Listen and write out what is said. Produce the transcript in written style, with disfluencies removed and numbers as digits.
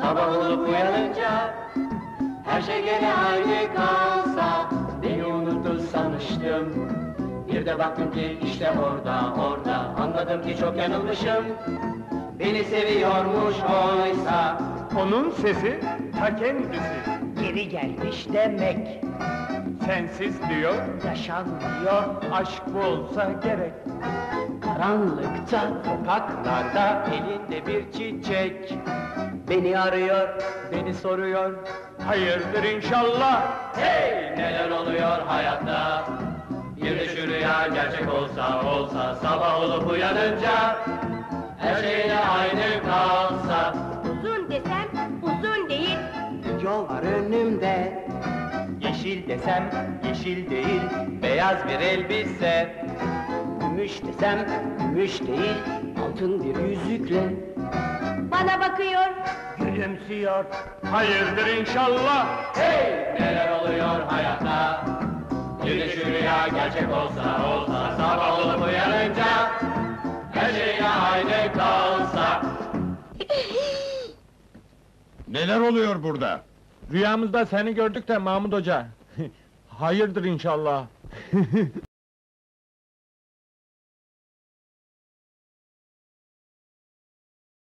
sabah olup uyanınca her şey gene aynı kalsa, beni unuttu sanmıştım. Bir de baktım ki işte orada, anladım ki çok yanılmışım. Beni seviyormuş oysa. Onun sesi ta kendisi. Geri gelmiş demek, Sensiz diyor, yaşanmıyor. aşk bu olsa gerek. Karanlıkta, sokaklarda, elinde bir çiçek. Beni arıyor, beni soruyor. Hayırdır inşallah. Hey! Neler oluyor hayatta? Bir de şu rüya gerçek olsa, sabah olup uyanınca her şey yine aynı kalsa. Uzun desem uzun değil. Yol var önümde, yeşil desem yeşil değil, beyaz bir elbise. Gümüş desem gümüş değil, altın bir yüzükle Bana bakıyor. gülümsüyor. Hayırdır inşallah. Hey! Neler oluyor hayatta? Bir de şu rüya gerçek olsa, sabah olup uyanınca her şey yine aynı kalsa. Neler oluyor burada? Rüyamızda seni gördük de Mahmud Hoca. Hayırdır inşallah.